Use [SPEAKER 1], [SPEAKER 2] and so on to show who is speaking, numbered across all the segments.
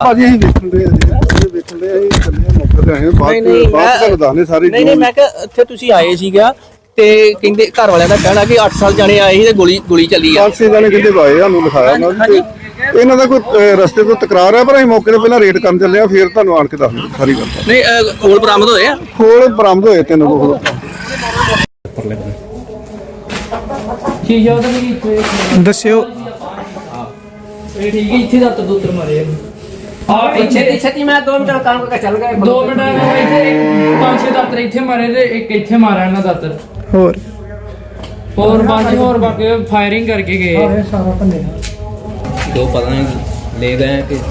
[SPEAKER 1] ਭਾਜੀ ਅਸੀਂ ਵੇਖਣ ਦੇ ਅਸੀਂ ਚੱਲੇ ਮੌਕੇ ਤੇ ਆਏ ਬਾਅਦ ਤੁਹਾਨੂੰ ਦੱਸਨੇ ਸਾਰੀ
[SPEAKER 2] ਨਹੀਂ ਮੈਂ ਕਿ ਇੱਥੇ ਤੁਸੀਂ ਆਏ ਸੀਗਾ ਤੇ ਕਹਿੰਦੇ ਘਰ ਵਾਲਿਆਂ ਦਾ ਕਹਿਣਾ ਕਿ 8 ਸਾਲ ਜਾਣੇ ਆਏ ਸੀ ਤੇ ਗੋਲੀ ਚੱਲੀ ਆ।
[SPEAKER 1] 5-6 ਜਾਣੇ ਕਹਿੰਦੇ ਆਏ ਸਾਨੂੰ ਲਿਖਾਇਆ ਉਹਨਾਂ ਨੇ ਇਹਨਾਂ ਦਾ ਕੋਈ ਰਸਤੇ ਤੋਂ ਤਕਰਾਰ ਹੈ ਪਰ ਅਸੀਂ ਮੌਕੇ ਤੇ ਪਹਿਲਾਂ ਰੇਡ ਕਰਨ ਚੱਲੇ ਆ ਫਿਰ ਤੁਹਾਨੂੰ ਆਣ ਕੇ ਦੱਸਦੇ ਸਾਰੀ ਗੱਲ।
[SPEAKER 2] ਨਹੀਂ ਖੋਲ ਬਰਾਮਦ ਹੋਏ ਆ?
[SPEAKER 1] ਖੋਲ ਬਰਾਮਦ ਹੋਏ 3 ਖੋਲ।
[SPEAKER 3] ਦੱਸਿਓ
[SPEAKER 4] ਇਹ ਠੀਕ ਹੈ ਇੱਥੇ ਦਾ ਤਦੂਤਰ ਮਾਰੇ ਆ
[SPEAKER 2] ਇੱਥੇ ਮੈਂ 2 ਮਿੰਟ ਕੰਮ ਕਰਕੇ ਚੱਲ ਗਿਆ।
[SPEAKER 4] 2 ਮਿੰਟ ਇੱਥੇ 5-6 ਦਾਤਰ ਇੱਥੇ ਮਾਰੇ ਤੇ ਇੱਕ ਇੱਥੇ ਮਾਰਿਆ ਇਹਨਾਂ ਦਾਤਰ ਹੋਰ ਬਾਕੀ ਫਾਇਰਿੰਗ ਕਰਕੇ ਗਏ ਸਾਰਾ ਭੰਨੇ
[SPEAKER 2] ਦੋ ਪਤਾ ਨਹੀਂ ਲੈ ਗਏ ਕਿ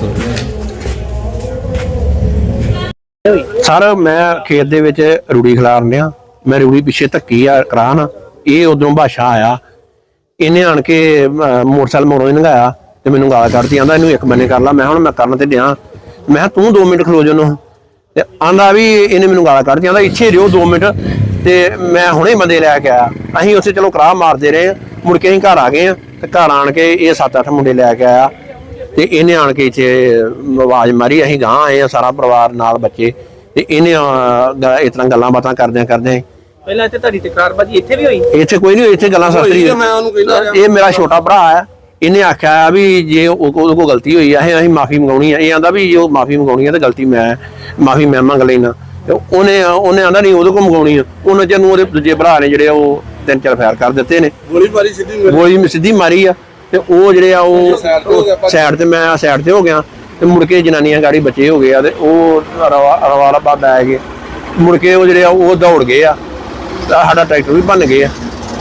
[SPEAKER 5] ਸਰ ਮੈਂ ਖੇਤ ਦੇ ਵਿੱਚ ਰੂੜੀ ਖਿਲਾਰਨ ਡਿਆ। ਮੈਂ ਰੂੜੀ ਪਿੱਛੇ ਧੱਕੀ ਆ ਕਰਾਨ, ਇਹ ਉਧਰੋਂ ਬਾਸ਼ਾ ਆਇਆ, ਇਹਨੇ ਆਣ ਕੇ ਮੋਟਰਸਾਈਕਲ ਮੋੜੋਂ ਹੀ ਲੰਘਾਇਆ ਤੇ ਮੈਨੂੰ ਗਾਲ ਕੱਢਦੀ, ਆਂਦਾ ਇਹਨੂੰ ਇੱਕ ਬੰਨੇ ਕਰ ਲਾ। ਮੈਂ ਹੁਣ ਮੈਂ ਕਰਨ ਤੇ ਡਿਆ, ਮੈਂ ਤੂੰ 2 ਮਿੰਟ ਖਲੋ ਜਾਨੂੰ ਤੇ ਆਂਦਾ ਵੀ ਇਹਨੇ ਮੈਨੂੰ ਗਾਲ ਕੱਢਦੀ, ਆਂਦਾ ਇੱਥੇ ਰਿਓ 2 ਮਿੰਟ ਤੇ ਮੈਂ ਹੁਣੇ ਬੰਦੇ ਲੈ ਕੇ ਆਇਆ। ਅਸੀਂ ਉੱਥੇ ਚਲੋ ਕਰਾਹ ਮਾਰਦੇ ਰਹੇ, ਮੁੜ ਕੇ ਅਸੀਂ ਘਰ ਆ ਗਏ ਆ ਤੇ ਘਰ ਆਣ ਕੇ ਇਹ 7-8 ਮੁੰਡੇ ਲੈ ਕੇ ਆਇਆ ਤੇ ਇਹਨੇ ਆਣ ਕੇ ਇੱਥੇ ਆਵਾਜ਼ ਮਾਰੀ। ਅਸੀਂ ਗਾਂ ਆਏ ਆ ਸਾਰਾ ਪਰਿਵਾਰ ਨਾਲ ਬੱਚੇ ਤੇ ਇਹਨੇ ਇਸ ਤਰ੍ਹਾਂ ਗੱਲਾਂ ਬਾਤਾਂ ਕਰਦਿਆਂ
[SPEAKER 2] ਪਹਿਲਾਂ ਇੱਥੇ ਤੁਹਾਡੀ ਤਕਰਾਰਬਾਜ਼ੀ ਇੱਥੇ ਵੀ ਹੋਈ?
[SPEAKER 5] ਇੱਥੇ ਕੋਈ ਨਹੀਂ, ਇੱਥੇ ਗੱਲਾਂ ਸਸਤਰੀ। ਇਹ ਮੇਰਾ ਛੋਟਾ ਭਰਾ ਹੈ, ਇਹਨੇ ਆਖਿਆ ਵੀ ਜੇ ਉਹਦੇ ਕੋਲ ਗਲਤੀ ਹੋਈ ਆ ਅਸੀਂ ਮਾਫੀ ਮੰਗਾਉਣੀ ਆ। ਇਹ ਆਂਦਾ ਵੀ ਜੋ ਮਾਫੀ ਮੰਗਾਉਣੀ ਆ ਤੇ ਗਲਤੀ ਮਾਫੀ ਮੈਂ ਮੰਗ ਲੈਣਾ। ਉਹਨੇ ਆਂਦਾ ਨਹੀਂ ਉਹਦੇ ਕੋਲ ਮੰਗਾਉਣੀ ਆ। ਉਹਨਾਂ ਚ ਨੂੰ ਉਹਦੇ ਦੂਜੇ ਭਰਾ ਨੇ ਜਿਹੜੇ ਉਹ 3-4 ਫਾਇਰ ਕਰ ਦਿੱਤੇ ਨੇ, ਗੋਲੀ ਸਿੱਧੀ ਮਾਰੀ ਆ ਤੇ ਉਹ ਜਿਹੜੇ ਆ ਉਹ ਸਾਈਡ ਤੇ, ਮੈਂ ਸਾਈਡ ਤੇ ਹੋ ਗਿਆ ਤੇ ਮੁੜ ਕੇ ਜਨਾਨੀਆਂ ਗਾੜੀ ਬੱਚੇ ਹੋ ਗਏ ਆ ਤੇ ਉਹ ਰਵਾਲਾ ਬਾਦ ਆ ਗਏ। ਮੁੜ ਕੇ ਉਹ ਜਿਹੜੇ ਆ ਉਹ ਦੌੜ ਗਏ ਆ, ਸਾਡਾ ਟਰੈਕਟਰ ਵੀ ਭੰਨ ਗਏ ਆ।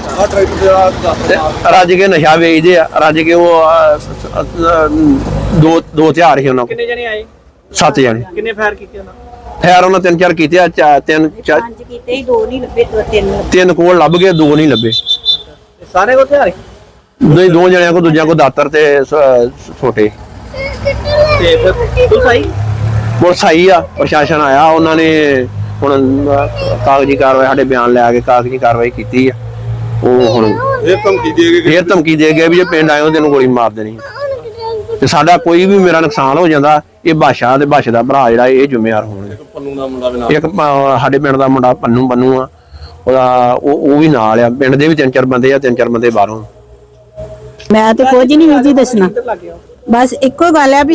[SPEAKER 5] ਰੱਜ ਕੇ ਨਸ਼ਾ ਵੇਚਦੇ ਆ, ਰੱਜ ਕੇ ਉਹ ਦੋ ਹਥਿਆਰ ਸੀ ਉਹਨਾਂ ਕੋਲ।
[SPEAKER 2] ਕਿੰਨੇ ਜਣੇ ਆਏ?
[SPEAKER 5] 7 ਜਣੇ।
[SPEAKER 2] ਕਿੰਨੇ ਫਾਇਰ ਕੀਤੇ ਉਹਨਾਂ?
[SPEAKER 5] ਫਾਇਰ ਉਹਨਾਂ 3-4 ਕੀਤੇ ਆ,
[SPEAKER 6] 5 ਕੀਤੇ 2 ਨਹੀਂ ਲੱਭੇ,
[SPEAKER 5] 3 ਕੋਲ ਲੱਭ ਗਏ, 2 ਨਹੀਂ ਲੱਭੇ।
[SPEAKER 2] ਸਾਰੇ ਕੋਲ ਹਥਿਆਰ?
[SPEAKER 5] ਨਹੀਂ, 2 ਜਣਿਆਂ ਕੋ, ਦੂਜਿਆਂ ਕੋ ਦਾਤਰ ਤੇ ਛੋਟੇ।
[SPEAKER 2] ਤੇ ਫਿਰ
[SPEAKER 5] ਪੁਲਿਸ ਆਈ ਆ, ਪ੍ਰਸ਼ਾਸਨ ਆਇਆ, ਉਹਨਾਂ ਨੇ ਹੁਣ ਕਾਗਜ਼ੀ ਕਾਰਵਾਈ, ਸਾਡੇ ਬਿਆਨ ਲੈ ਕੇ ਕਾਗਜ਼ੀ ਕਾਰਵਾਈ ਕੀਤੀ ਆ। ਉਹ ਹੁਣ ਫੇਰ ਧਮਕੀ ਦੇ ਗਏ ਵੀ ਜੇ ਪਿੰਡ ਆਇਓ ਤੈਨੂੰ ਗੋਲੀ ਮਾਰ ਦੇਣੀ ਤੇ ਸਾਡਾ ਕੋਈ ਵੀ ਮੇਰਾ ਨੁਕਸਾਨ ਹੋ ਜਾਂਦਾ, ਇਹ ਬਾਸ਼ਾ ਤੇ ਬਾਸ਼ੇ ਦਾ ਭਰਾ ਜਿਹੜਾ ਇਹ ਜ਼ਿੰਮੇਵਾਰ ਹੋਣਗੇ। ਇੱਕ ਸਾਡੇ ਪਿੰਡ ਦਾ ਮੁੰਡਾ ਪੰਨੂ ਆ, ਉਹਦਾ ਉਹ ਵੀ ਨਾਲ ਆ। ਪਿੰਡ ਦੇ ਵੀ 3-4 ਬੰਦੇ ਆ, 3-4 ਬੰਦੇ ਬਾਹਰੋਂ।
[SPEAKER 6] ਮੈਂ ਤੇ ਕੁਝ ਨਹੀਂ ਵੀਰ ਜੀ ਦੱਸਣਾ, ਬਸ ਇੱਕੋ ਗੱਲ ਆ ਵੀ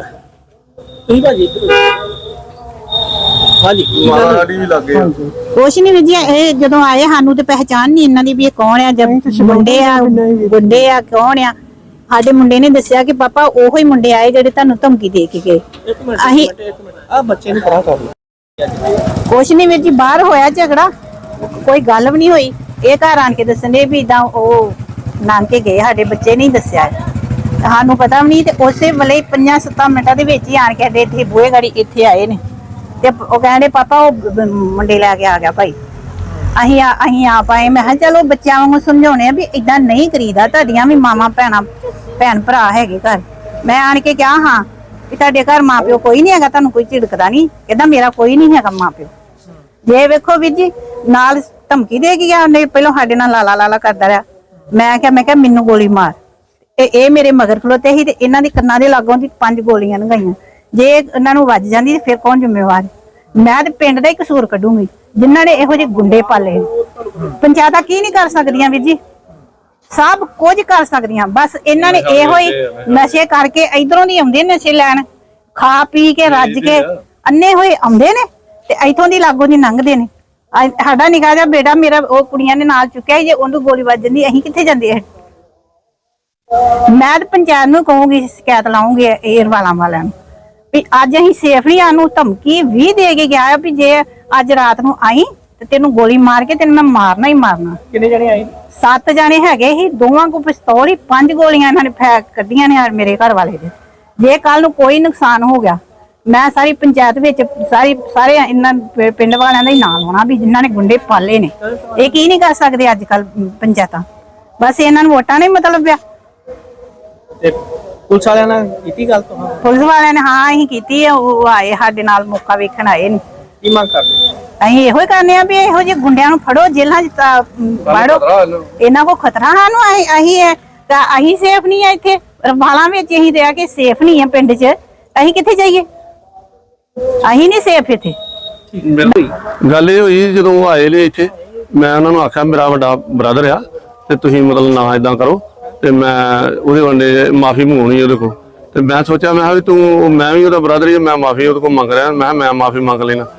[SPEAKER 6] ਕੁਛ ਨਹੀਂ ਵੀਰ ਜੀ। ਇਹ ਜਦੋਂ ਆਏ ਸਾਨੂੰ ਤੇ ਪਹਿਚਾਨ ਨਹੀਂ ਇਹਨਾਂ ਦੀ ਵੀ ਇਹ ਕੌਣ ਆ, ਜਦ ਮੁੰਡੇ ਆ ਗੁੰਡੇ ਆ ਕੌਣ ਆ। ਸਾਡੇ ਮੁੰਡੇ ਨੇ ਦੱਸਿਆ ਕਿ ਪਾਪਾ ਉਹੋ ਹੀ ਮੁੰਡੇ ਆਏ ਜਿਹੜੇ ਤੁਹਾਨੂੰ ਧਮਕੀ ਦੇ ਕੇ ਗਏ। ਅਸੀਂ
[SPEAKER 2] ਆ ਬੱਚੇ ਨੂੰ ਪਰਾਂ ਕਰ ਲਓ।
[SPEAKER 6] ਕੁਛ ਨਹੀਂ ਵੀਰ ਜੀ, ਬਾਹਰ ਹੋਇਆ ਝਗੜਾ, ਕੋਈ ਗੱਲ ਵੀ ਨਹੀਂ ਹੋਈ। ਇਹ ਘਰ ਆਣ ਕੇ ਦੱਸਣ ਦੇ ਵੀ ਇਦਾਂ ਉਹ ਨਾਨਕੇ ਗਏ, ਸਾਡੇ ਬੱਚੇ ਨਹੀਂ ਦੱਸਿਆ, ਸਾਨੂੰ ਪਤਾ ਵੀ ਨਹੀਂ। ਤੇ ਉਸੇ ਵੇਲੇ 5-7 ਮਿੰਟਾਂ ਦੇ ਵਿੱਚ ਹੀ ਆਣ ਕੇ ਸਾਡੇ ਇੱਥੇ ਬੂਹੇ ਗਾੜੀ ਇੱਥੇ ਆਏ ਨੇ ਤੇ ਉਹ ਕਹਿੰਦੇ ਪਾਪਾ ਉਹ ਮੁੰਡੇ ਲੈ ਕੇ ਆ ਗਿਆ ਭਾਈ। ਅਸੀਂ ਆਪ ਆਏ। ਮੈਂ ਕਿਹਾ ਚਲੋ ਬੱਚਿਆਂ ਵਾਂਗੂ ਸਮਝਾਉਣੇ ਆ ਵੀ ਏਦਾਂ ਨਹੀਂ ਕਰੀਦਾ, ਤੁਹਾਡੀਆਂ ਵੀ ਮਾਵਾਂ ਭੈਣ ਭਰਾ ਹੈਗੇ ਘਰ। ਮੈਂ ਆਣ ਕੇ ਕਿਹਾ ਹਾਂ ਵੀ ਤੁਹਾਡੇ ਘਰ ਮਾਂ ਪਿਓ ਕੋਈ ਨਹੀਂ ਹੈਗਾ, ਤੁਹਾਨੂੰ ਕੋਈ ਝਿੜਕਦਾ ਨਹੀਂ? ਕਹਿੰਦਾ ਮੇਰਾ ਕੋਈ ਨਹੀਂ ਹੈਗਾ ਮਾਂ ਪਿਓ। ਜੇ ਵੇਖੋ ਵੀਰ ਜੀ, ਨਾਲ ਧਮਕੀ ਦੇ ਗਿਆ ਉਹਨੇ, ਪਹਿਲਾਂ ਸਾਡੇ ਨਾਲ ਲਾਲਾ ਕਰਦਾ ਰਿਹਾ। ਮੈਂ ਕਿਹਾ ਮੈਨੂੰ ਗੋਲੀ ਮਾਰ। ਇਹ ਮੇਰੇ ਮਗਰ ਖਲੋਤੇ ਸੀ ਤੇ ਇਹਨਾਂ ਦੇ ਕੰਨਾਂ ਦੇ ਲਾਗੋਂ ਦੀ 5 ਗੋਲੀਆਂ ਲੰਘਾਈਆਂ। ਜੇ ਇਹਨਾਂ ਨੂੰ ਵੱਜ ਜਾਂਦੀ ਫਿਰ ਕੌਣ ਜ਼ਿੰਮੇਵਾਰ? ਮੈਂ ਤੇ ਪਿੰਡ ਦਾ ਹੀ ਕਸੂਰ ਕੱਢੂੰਗੀ ਜਿਨ੍ਹਾਂ ਨੇ ਇਹੋ ਜਿਹੇ ਗੁੰਡੇ ਪਾਲੇ। ਪੰਚਾਇਤਾਂ ਕੀ ਨਹੀਂ ਕਰ ਸਕਦੀਆਂ ਵੀਰ ਜੀ, ਸਭ ਕੁਝ ਕਰ ਸਕਦੀਆਂ। ਬਸ ਇਹਨਾਂ ਨੇ ਇਹੋ ਹੀ ਨਸ਼ੇ ਕਰਕੇ ਇਧਰੋਂ ਦੀ ਆਉਂਦੇ, ਨਸ਼ੇ ਲੈਣ, ਖਾ ਪੀ ਕੇ ਰੱਜ ਕੇ ਅੰਨੇ ਹੋਏ ਆਉਂਦੇ ਨੇ ਤੇ ਇੱਥੋਂ ਦੀ ਲਾਗੋਂ ਦੀ ਲੰਘਦੇ ਨੇ। ਸਾਡਾ ਨਿੱਕਾ ਜਿਹਾ ਬੇਟਾ ਮੇਰਾ ਉਹ ਕੁੜੀਆਂ ਨੇ ਨਾਲ ਚੁੱਕਿਆ, ਜੇ ਉਹਨੂੰ ਗੋਲੀ ਵੱਜ ਜਾਂਦੀ ਅਸੀਂ ਕਿੱਥੇ ਜਾਂਦੇ? ਮੈਂ ਤੇ ਪੰਚਾਇਤ ਨੂੰ ਕਹੂੰਗੀ, ਸ਼ਿਕਾਇਤ ਲਾਉਂਗੀ ਏਅਰ ਵਾਲਿਆਂ ਨੂੰ ਵੀ ਅੱਜ ਅਸੀਂ ਸੇਫ ਨਹੀਂ। ਸਾਨੂੰ ਧਮਕੀ ਵੀ ਦੇ ਕੇ ਗਿਆ ਵੀ ਜੇ ਅੱਜ ਰਾਤ ਨੂੰ ਆਈ ਤੇ ਤੈਨੂੰ ਗੋਲੀ ਮਾਰ ਕੇ ਤੈਨੂੰ ਮੈਂ ਮਾਰਨਾ ਹੀ ਮਾਰਨਾ।
[SPEAKER 2] ਕਿੰਨੇ ਜਣੇ ਆਏ?
[SPEAKER 6] 7 ਜਾਣੇ ਹੈਗੇ ਸੀ, ਦੋਵਾਂ ਕੋ ਪਿਸਤੌਲ ਹੀ, 5 ਗੋਲੀਆਂ ਇਹਨਾਂ ਨੇ ਫੈਕ ਕੱਢੀਆਂ ਨੇ ਮੇਰੇ ਘਰ ਵਾਲੇ ਦੇ। ਜੇ ਕੱਲ ਨੂੰ ਕੋਈ ਨੁਕਸਾਨ ਹੋ ਗਿਆ, ਮੈਂ ਸਾਰੀ ਪੰਚਾਇਤ ਵਿੱਚ ਸਾਰੇ ਇਹਨਾਂ ਪਿੰਡ ਵਾਲਿਆਂ ਦਾ ਹੀ ਨਾਂ ਲਾਉਣਾ ਵੀ ਜਿਨ੍ਹਾਂ ਨੇ ਗੁੰਡੇ ਪਾਲੇ ਨੇ। ਇਹ ਕੀ ਨਹੀਂ ਕਰ ਸਕਦੇ ਅੱਜ ਕੱਲ ਪੰਚਾਇਤਾਂ, ਬਸ ਇਹਨਾਂ ਨੂੰ ਵੋਟਾਂ ਨਹੀਂ ਮਤਲਬ ਆ।
[SPEAKER 2] ਪੁਲਿਸ ਵਾਲਿਆਂ ਨਾਲ ਕੀਤੀ ਗੱਲ?
[SPEAKER 6] ਪੁਲਿਸ ਵਾਲਿਆਂ ਨੇ ਹਾਂ ਅਸੀਂ ਕੀਤੀ ਆ, ਉਹ ਆਏ ਸਾਡੇ ਨਾਲ ਮੌਕਾ ਵੇਖਣ ਆਏ ਨੇ।
[SPEAKER 2] ਕੀ ਮੰਗ ਕਰਦੇ?
[SPEAKER 6] ਅਸੀਂ ਇਹੋ ਹੀ ਕਰਨੇ ਆ ਵੀ ਇਹੋ ਜਿਹੇ ਗੁੰਡਿਆਂ ਨੂੰ ਫੜੋ, ਜੇਲ੍ਹਾਂ 'ਚ ਵਾੜੋ, ਇਹਨਾਂ ਕੋ ਖਤਰਾ ਸਾਨੂੰ। ਅਸੀਂ ਸੇਫ ਨਹੀਂ ਆ ਇੱਥੇ, ਵਾਲਾਂ ਵਿੱਚ ਅਸੀਂ ਰਹਿ ਕੇ ਸੇਫ ਨਹੀਂ ਆ ਪਿੰਡ 'ਚ। ਅਸੀਂ ਕਿੱਥੇ ਜਾਈਏ? ਅਸੀਂ ਨਹੀਂ ਸੇਫ ਇੱਥੇ।
[SPEAKER 7] ਗੱਲ ਇਹ ਹੋਈ ਜਦੋਂ ਉਹ ਆਏ ਨੇ ਇੱਥੇ, ਮੈਂ ਉਹਨਾਂ ਨੂੰ ਆਖਿਆ ਮੇਰਾ ਵੱਡਾ ਬ੍ਰਦਰ ਆ ਤੇ ਤੁਸੀਂ ਮਤਲਬ ਨਾ ਇਦਾਂ ਕਰੋ, ਤੇ ਮੈਂ ਉਹਦੇ ਵੱਡੇ ਮਾਫੀ ਮੰਗਾਉਣੀ ਉਹਦੇ ਕੋਲ। ਤੇ ਮੈਂ ਸੋਚਿਆ ਮੈਂ ਕਿਹਾ ਵੀ ਤੂੰ, ਮੈਂ ਵੀ ਉਹਦਾ ਬ੍ਰਦਰ ਹੀ, ਮੈਂ ਮਾਫੀ ਉਹਦੇ ਕੋਲ ਮੰਗ ਰਿਹਾ, ਮੈਂ ਮਾਫੀ ਮੰਗ ਲੈਣਾ।